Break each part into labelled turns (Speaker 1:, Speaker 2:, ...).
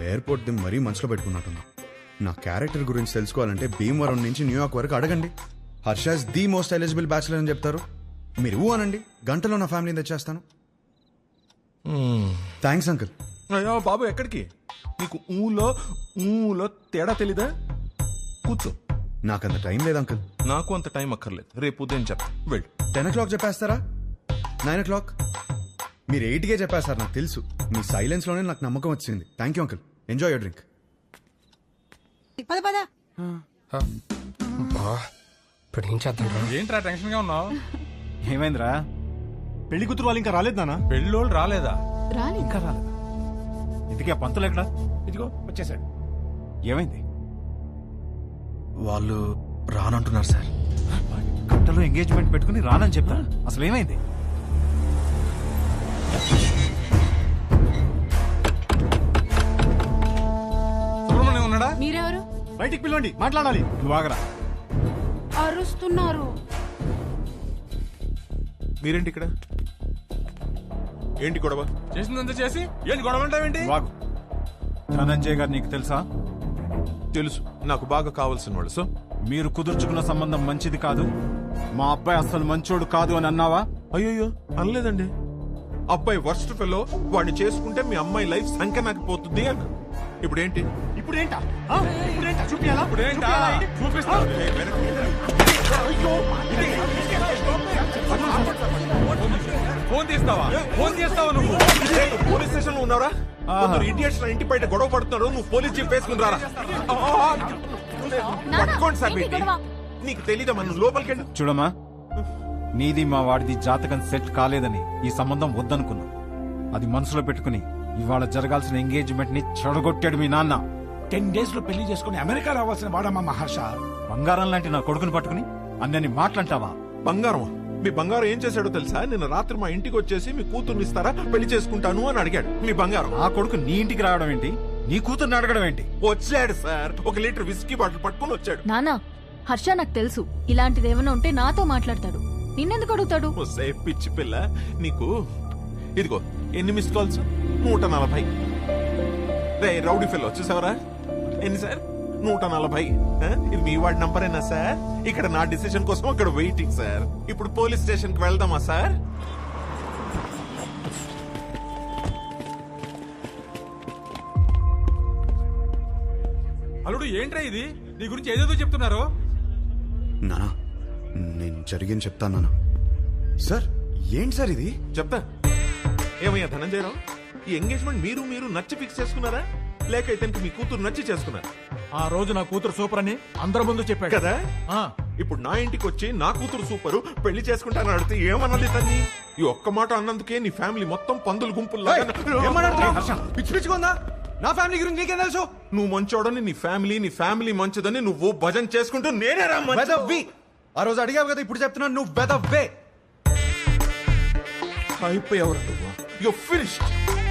Speaker 1: Airport the మరీ మనసులో పెట్టుకున్నట్టున్నా. నా క్యారెక్టర్ గురించి తెలుసుకోవాలంటే భీమవరం నుంచి న్యూయార్క్ వరకు అడగండి. Harsha's the most eligible bachelor అని చెప్తారు. మీరు ఊ అనండి, గంటలో నా ఫ్యామిలీని తెచ్చేస్తాను. Thanks uncle.
Speaker 2: అయ్యో బాబు, ఎక్కడికి? నీకు ఊలో తేడా తెలీదా? కూర్చో.
Speaker 1: నాకంత టైం లేదు అంకుల్.
Speaker 2: నాకు అంత టైం అక్కర్లేదు, రేపు ఉదయం చెప్తా. వెళ్ళు.
Speaker 1: 10 o'clock చెప్పేస్తారా? 9 o'clock? మీరు 8కే చెప్పేస్తారు, నాకు తెలుసు. మీ సైలెన్స్ లోనే నాకు నమ్మకం వచ్చింది. Thank you uncle. Enjoy your drink.
Speaker 3: పద పద.
Speaker 4: ఇప్పుడు ఏం చేద్దాం?
Speaker 5: ఏంట్రా టెన్షన్ గా ఉన్నావు?
Speaker 6: ఏమైందిరా? పెళ్లి కూతురు వాళ్ళు ఇంకా రాలేదు నాన్న.
Speaker 5: పెళ్ళోళ్ళు రాలేదా?
Speaker 6: ఇంకా రాలేదా? ఇంతకీ ఆ పంతులు ఎక్కడా? ఇదిగో వచ్చేసాడు. ఏమైంది?
Speaker 1: వాళ్ళు రానంటున్నారు సార్.
Speaker 6: గంటలో ఎంగేజ్మెంట్ పెట్టుకుని రానని చెప్తా. అసలు ఏమైంది?
Speaker 5: సుబ్రహ్మణ్యం ఉన్నాడా?
Speaker 3: మీరెవరు?
Speaker 6: బయటికి పిలవండి, మాట్లాడాలి. నువ్వు ఆగరా.
Speaker 3: అరుస్తున్నారు.
Speaker 2: మీరేంటి ఇక్కడ? ఏంటి గొడవ?
Speaker 5: చేసిందంతా చేసి ఏంటి గొడవ అంటావేంటి?
Speaker 6: వాగు. ధనంజయ్ గారు నీకు తెలుసా?
Speaker 2: తెలుసు, నాకు బాగా కావాల్సిన వాళ్ళు. సో
Speaker 6: మీరు కుదుర్చుకున్న సంబంధం మంచిది కాదు, మా అబ్బాయి అసలు మంచోడు కాదు అని అన్నావా?
Speaker 2: అయ్యో అనలేదండి. అబ్బాయి వర్స్ట్ ఫెలో, వాడిని చేసుకుంటే మీ అమ్మాయి లైఫ్ సంఖ్య పోతుంది అన్న. ఇప్పుడేంటి?
Speaker 6: ఇప్పుడేంటా? చూపియాలా?
Speaker 5: ఇప్పుడేంటా? చూపిస్తా. ఫోన్ తీస్తావా? ఫోన్ చేస్తావా నువ్వు?
Speaker 2: పోలీస్ స్టేషన్ లో ఉన్నారా? ఇడియట్స్ నా ఇంటి బయట గొడవ పడుతున్నారు, నువ్వు పోలీస్ జీప్ వేసుకుని రారా. పట్టుకోండి సార్. నీకు తెలీదా? మనం లోపలికి వెళ్ళి
Speaker 6: చూడమ్మా, నీది మా వాడిది జాతకం సెట్ కాలేదని ఈ సంబంధం వద్దనుకున్నాం. అది మనసులో పెట్టుకుని ఇవాళ జరగాల్సిన ఎంగేజ్మెంట్ ని చెడగొట్టాడు మీ నాన్న.
Speaker 7: 10 days లో పెళ్లి చేసుకుని అమెరికా రావాల్సిన వాడమ్మా మహర్ష.
Speaker 6: బంగారం లాంటి నా కొడుకుని పట్టుకుని అన్నని మాట్లాంటావా?
Speaker 2: బంగారం? మీ బంగారం ఏం చేశాడో తెలుసా? నిన్న రాత్రి మా ఇంటికి వచ్చేసి మీ కూతుర్ని ఇస్తారా, పెళ్లి చేసుకుంటాను అని అడిగాడు. మీ బంగారం.
Speaker 6: ఆ కొడుకు నీ ఇంటికి రావడం ఏంటి? నీ కూతుర్ని అడగడం ఏంటి?
Speaker 2: వచ్చాడు సార్, 1 లీటర్ విస్కీ బాటిల్ పట్టుకుని వచ్చాడు.
Speaker 8: నానా, హర్ష నాకు తెలుసు, ఇలాంటిది ఏమైనా ఉంటే నాతో మాట్లాడతాడు, నిన్నెందుకు అడుగుతాడు?
Speaker 2: పిచ్చి పిల్ల నీకు. ఇదిగో ఎన్ని మిస్ కాల్స్? 140. రే రౌడీ ఫెల్లో చూసావరా? ఎన్ని సార్? 140. ఇది మీ వాడి నంబరేనా సార్? ఇక్కడ నా డిసిషన్ కోసం అక్కడ వెయిటింగ్ సార్. ఇప్పుడు పోలీస్ స్టేషన్ కి వెళ్దామా సార్?
Speaker 5: అల్లుడు ఏంట్రా ఇది? నీ గురించి ఏదేదో చెప్తున్నారు.
Speaker 1: నానా, నేను జరిగింది చెప్తాను నానా. సార్ ఏంటి సార్ ఇది?
Speaker 2: చెప్తా. ఏమయ్యా ధనంజయరావు, ఈ ఎంగేజ్మెంట్ మీరు నచ్చి ఫిక్స్ చేసుకున్నారా, లేక ఇతనికి మీ కూతురు నచ్చి చేసుకున్నారా?
Speaker 7: ఆ రోజు నా కూతురు సూపర్ అని అందరి ముందు చెప్పాడు
Speaker 2: కదా. ఇప్పుడు నా ఇంటికి వచ్చి నా కూతురు సూపరు, పెళ్లి చేసుకుంటానని అడిగితే ఏమన్నది తన్ని? ఈ ఒక్క మాట అన్నందుకే నీ ఫ్యామిలీ మొత్తం పందులు గుంపుల్లా.
Speaker 1: పిచ్చి పిచ్చిగా నా ఫ్యామిలీ గురించి నీకేం తెలుసు?
Speaker 2: నువ్వు మంచోడని నీ ఫ్యామిలీ మంచిదని నువ్వు భజన చేసుకుంటూ నేనే రా
Speaker 1: వెదవ్వి. ఆ రోజు అడిగావు కదా, ఇప్పుడు చెప్తున్నాను నువ్వు వెదవ్వే.
Speaker 2: అయిపోయావు నువ్వు. You finished.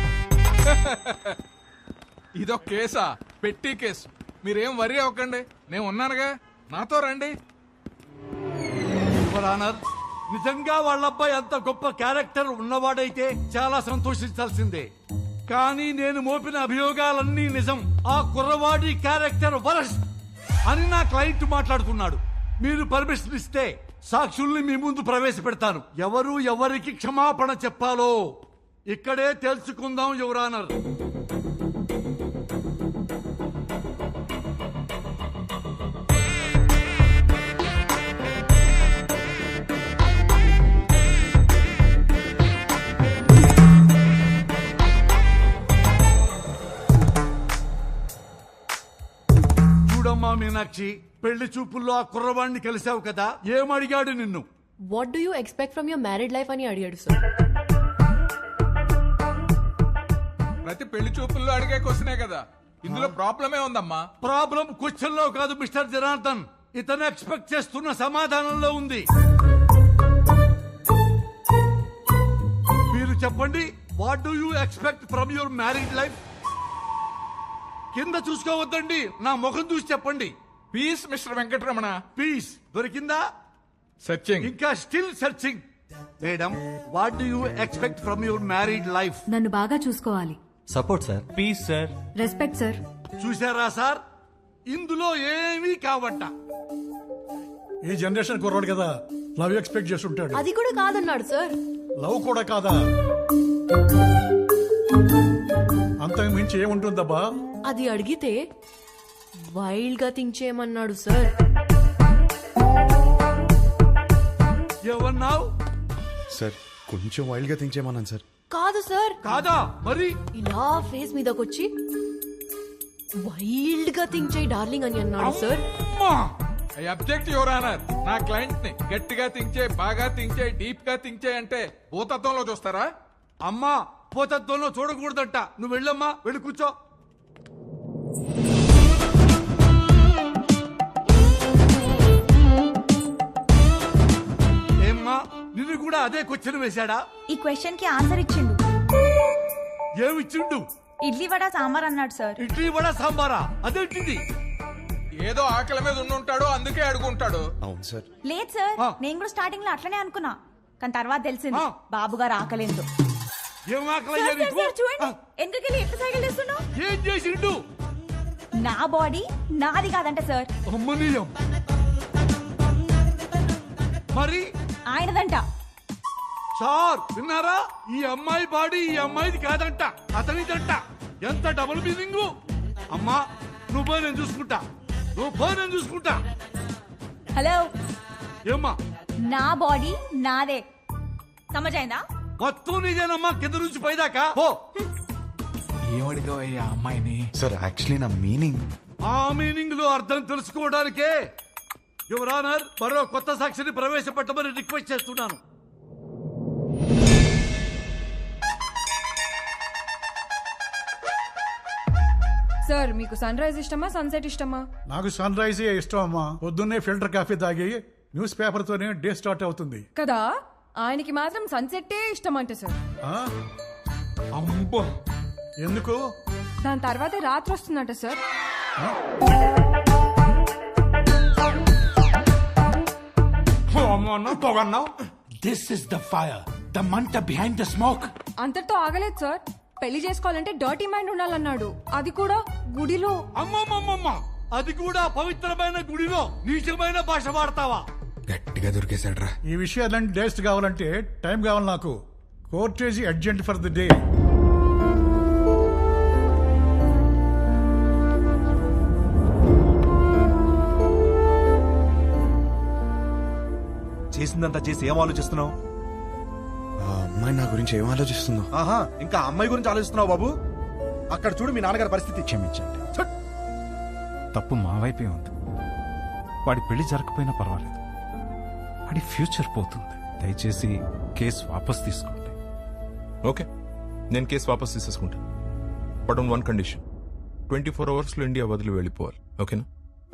Speaker 5: ఇదో కేసా? పెట్టి కేసు. మీరేం వరి అవ్వకండి, నేను ఉన్నానుగా, నాతో రండి.
Speaker 7: నిజంగా వాళ్ళ అబ్బాయి అంత గొప్ప క్యారెక్టర్ ఉన్నవాడైతే చాలా సంతోషించాల్సిందే. కానీ నేను మోపిన అభియోగాలన్నీ నిజం. ఆ కుర్రవాడి క్యారెక్టర్ వరస్ట్ అని నా క్లయింట్ మాట్లాడుతున్నాడు. మీరు పర్మిషన్ ఇస్తే సాక్షుల్ని మీ ముందు ప్రవేశపెడతాను. ఎవరు ఎవరికి క్షమాపణ చెప్పాలో ఇక్కడే తెలుసుకుందాం యువర్ ఆనర్. చూడమ్మా మీనాక్షి, పెళ్లి చూపుల్లో ఆ కుర్రవాణ్ణి కలిసావు కదా, ఏమడిగాడు నిన్ను?
Speaker 8: What do you expect from your married life అని అడిగాడు సార్.
Speaker 5: ప్రతి పెళ్లి చూపుల్లో అడిగే క్వశ్చనే కదా, ఇందులో ప్రాబ్లమే ఉందమ్మా.
Speaker 7: ప్రాబ్లం క్వశ్చన్ లో కాదు మిస్టర్ జనార్దన్, ఇతను ఎక్స్పెక్ట్ చేస్తున్న సమాధానంలో ఉంది. మీరు చెప్పండి, what do you expect from your married life? కింద చూసుకోవద్దండి, నా ముఖం చూసి చెప్పండి.
Speaker 5: Peace mister Venkataramana.
Speaker 7: పీస్ దొరికిందా?
Speaker 5: సెర్చింగ్.
Speaker 7: ఇంకా still searching. Madam, what do you expect from your married life?
Speaker 8: నన్ను బాగా చూసుకోవాలి,
Speaker 9: support sir.
Speaker 2: Peace sir.
Speaker 8: Respect sir.
Speaker 7: చూసారా సార్, ఇందులో ఏమీ కావట్ట.
Speaker 10: ఈ జనరేషన్ కుర్రాడు కదా, లవ్ ఎక్స్పెక్ట్ చేస్తుంటాడు.
Speaker 8: అది కూడా కాదన్నాడు సార్.
Speaker 10: లవ్ కూడా కాదా? అంతకు మించి ఏముంటుందబ్బా?
Speaker 8: అది అడిగితే వైల్డ్ గా థింక్ చేయమన్నాడు సార్.
Speaker 7: ఏమన్నావు?
Speaker 1: సార్ కొంచెం వైల్డ్ గా థింక్ చేయమన్నాను సార్.
Speaker 8: కాదు సార్.
Speaker 7: కాదా మరి?
Speaker 8: ఇలా ఫేస్ మీదకొచ్చి వైల్డ్ గా థింక్ చేయి డార్లింగ్ అని అన్నాడు సార్.
Speaker 7: అమ్మా!
Speaker 5: I object your honour. నా క్లయింట్ ని గట్టిగా థింక్ చేయి, బాగా థింక్ చేయి, డీప్ గా థింక్ చేయి అంటే భూతత్వంలో చూస్తారా?
Speaker 7: అమ్మా, పోతత్వంలో చూడకూడదంట. నువ్వు వెళ్ళమ్మా, వెళ్ళి కూర్చో. ఏమ్మా, నిన్ను కూడా అదే క్వశ్చన్ వేశాడా?
Speaker 3: ఈ క్వశ్చన్ కి ఆన్సర్ ఇచ్చిండు.
Speaker 7: ఏమిచ్చిండు?
Speaker 3: ఇడ్లీ వడ సాంబార్ అన్నాడు సార్.
Speaker 7: ఇడ్లీ వడ సాంబారా? అదేంటిది?
Speaker 5: ఏదో ఆకలి మీద ఉండుంటాడు, అందుకే అడుగుంటాడు.
Speaker 1: అవును సార్.
Speaker 3: లేదు సార్,
Speaker 7: ఆ.
Speaker 3: నేను కూడా స్టార్టింగ్ లో అట్లనే అనుకున్నా, కానీ తర్వాత తెలిసింది
Speaker 7: ఆ.
Speaker 3: బాబు గారు ఆకలేదు.
Speaker 7: ఏం ఆకలయ్యా నీకు?
Speaker 3: చూడండి
Speaker 7: ఆ,
Speaker 3: ఎందుకెళ్ళి ఎట్లా సైకిల్ చేస్తున్నావు.
Speaker 7: ఏం చేసిండు?
Speaker 3: నా బాడీ నాది కాదంట సార్,
Speaker 7: అమ్మనీయం. మరి
Speaker 3: ఆయనదంట.
Speaker 7: సార్ విన్నారా? ఈ అమ్మాయి బాడీ ఈ అమ్మాయిది కాదంట, అతనిదంట. ఎంత డబుల్ మీనింగ్. అమ్మా, నువ్వు పోయి నేను చూసుకుంటా, నువ్వు పోయి నేను చూసుకుంటా.
Speaker 3: హలో,
Speaker 7: ఏమ్మా,
Speaker 3: నా బాడీ నాదే, సమజైందా?
Speaker 7: మొత్తం నీదేనమ్మా, కింద నుంచి పైదాకా. ఓ,
Speaker 5: ఏమడిగా ఆ అమ్మాయిని?
Speaker 1: సార్ యాక్చువల్లీ నా మీనింగ్.
Speaker 7: ఆ మీనింగ్ లో అర్థం తెలుసుకోవడానికే యువర్ ఆనర్ మరో కొత్త సాక్షిని ప్రవేశపెట్టమని రిక్వెస్ట్ చేస్తున్నాను.
Speaker 8: సార్ మీకు సన్ రైజ్ ఇష్టమా సన్సెట్ ఇష్టమా?
Speaker 10: నాకు సన్ రైజే ఇష్టం అమ్మా. పొద్దున్నే ఫిల్టర్ కాఫీ తాగి న్యూస్ పేపర్ తోనే డే స్టార్ట్ అవుతుంది
Speaker 8: కదా, ఆయనకి మాత్రం సన్సెట్టే ఇష్టం అంట సార్.
Speaker 10: ఆ?
Speaker 5: అమ్మో,
Speaker 10: ఎందుకు?
Speaker 8: దాని తర్వాతే రాత్రి వస్తుందంట సార్.
Speaker 5: పొగన్నావు. This is the fire, the మంట బిహైండ్ ద స్మోక్.
Speaker 8: అంతటితో ఆగలేదు సార్. పెళ్లి చేసుకోవాలంటే డర్టీ మైండ్ ఉండాలన్నాడు, అది కూడా గుడిలో.
Speaker 7: అమ్మమ్మమ్మమ్మ, అది కూడా పవిత్రమైన గుడిలో నీచమైన భాష వాడతావా?
Speaker 1: గట్టిగా దొరికేశాడ్రా.
Speaker 10: ఈ విషయాలన్నీ డేస్ట్ కావాలంటే టైం కావాలి నాకు. Court adjourned for the day.
Speaker 9: చేసిందంతా చేసి ఏం ఆలోచిస్తున్నావు?
Speaker 1: ఆ అమ్మాయి నా గురించి ఏం ఆలోచిస్తుందో.
Speaker 9: ఆహా, ఇంకా అమ్మాయి గురించి ఆలోచిస్తున్నావు బాబు? అక్కడ చూడు మీ నాన్నగారి పరిస్థితి.
Speaker 6: క్షమించండి, తప్పు మా వైపే ఉంది. వాడి పెళ్లి జరగకపోయినా పర్వాలేదు, వాడి ఫ్యూచర్ పోతుంది. దయచేసి కేసు వాపస్ తీసుకోండి.
Speaker 2: ఓకే, నేను కేసు వాపస్ తీసేసుకుంటా. But on one condition, 24 hours లో ఇండియా వదిలి వెళ్ళిపోవాలి. ఓకేనా?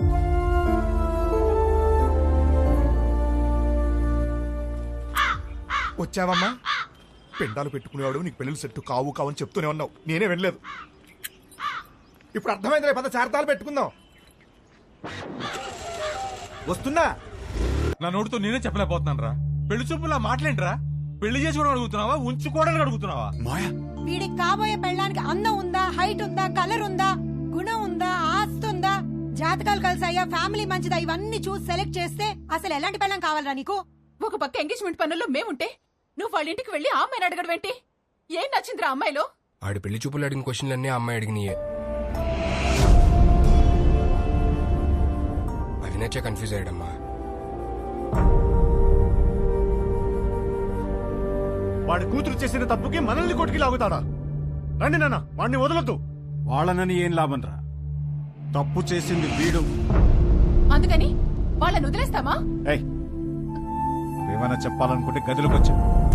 Speaker 9: వచ్చావమ్మా? పెండాలు పెట్టుకునేవాడు నీకు పెళ్లి సెట్ కావు కావు అని చెప్తూనే ఉన్నావు, నేనే వెళ్ళలేదు. ఇప్పుడు అర్థమైంది, పద చార్తాలు పెట్టుకుందాం. వస్తున్నా.
Speaker 5: నా నోటితో నేనే చెప్పలేకపోతున్నాను రా. పెళ్లి చూపులా మాట్లాడరా? పెళ్లి చేసుకోవడం అడుగుతున్నావా, ఉంచుకోవడానికి అడుగుతున్నావా?
Speaker 1: మాయా,
Speaker 3: వీడికి కాబోయే పెళ్ళానికి అందం ఉందా, హైట్ ఉందా, కలర్ ఉందా, గుణం ఉందా, ఆస్తి ఉందా, జాతకాలు కలిసాయా, ఫ్యామిలీ మంచిదా, ఇవన్నీ చూసి సెలెక్ట్ చేస్తే అసలు ఎలాంటి పెళ్ళం కావాలరా నీకు?
Speaker 8: ఒక పక్క ఎంగేజ్మెంట్ పనుల్లో మేముంటే నువ్వు వాళ్ళ ఇంటికి వెళ్ళి ఆ అమ్మాయిని అడగడం ఏంటి? ఏం నచ్చిందిరా అమ్మాయిలో?
Speaker 4: ఆడి పెళ్లి చూపులు అడిగిన క్వశ్చన్లన్నీ ఆ అమ్మాయి అడిగినాయే. అవి నచ్చే కన్ఫ్యూజ్ అయ్యాడమ్మా.
Speaker 9: వాడి కూతురు చేసిన తప్పుకి మనల్ని కొట్టుకి లాగుతాడా? రండి నాన్న, వాడిని వదలొద్దు.
Speaker 6: వాళ్ళనని ఏం లాభం రా? తప్పు చేసింది వీడు.
Speaker 8: అందుకని వాళ్ళని వదిలేస్తామా?
Speaker 6: ఏయ్, ఏమైనా చెప్పాలనుకుంటే గదిలోకి వచ్చా.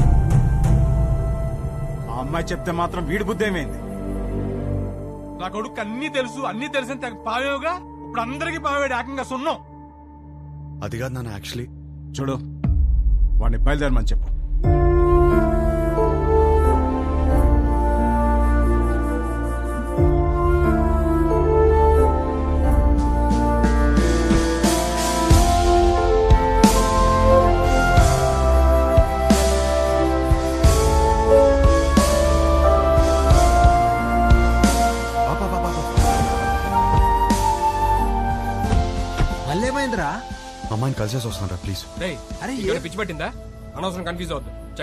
Speaker 6: ఆ అమ్మాయి చెప్తే మాత్రం వీడి బుద్ధి ఏమైంది?
Speaker 5: నా కొడుకు అన్ని తెలుసు, అన్ని తెలిసిన తెగ పావేవుగా ఇప్పుడు అందరికి పావేడు ఏకంగా సున్నం.
Speaker 1: అది కాదు నాన్న, యాక్చువల్లీ
Speaker 6: చూడు, వాడిని బయలుదేరమని చెప్పు.
Speaker 11: మళ్ళీ ఏమైందిరా?
Speaker 1: అమ్మాయిని కలిసేసి వస్తాను రా ప్లీజ్.
Speaker 4: రేయ్,
Speaker 11: అరే
Speaker 4: ఇక్కడ పిచ్చి పట్టిందా? అనవసరం కన్ఫ్యూజ్ అవుతుంది.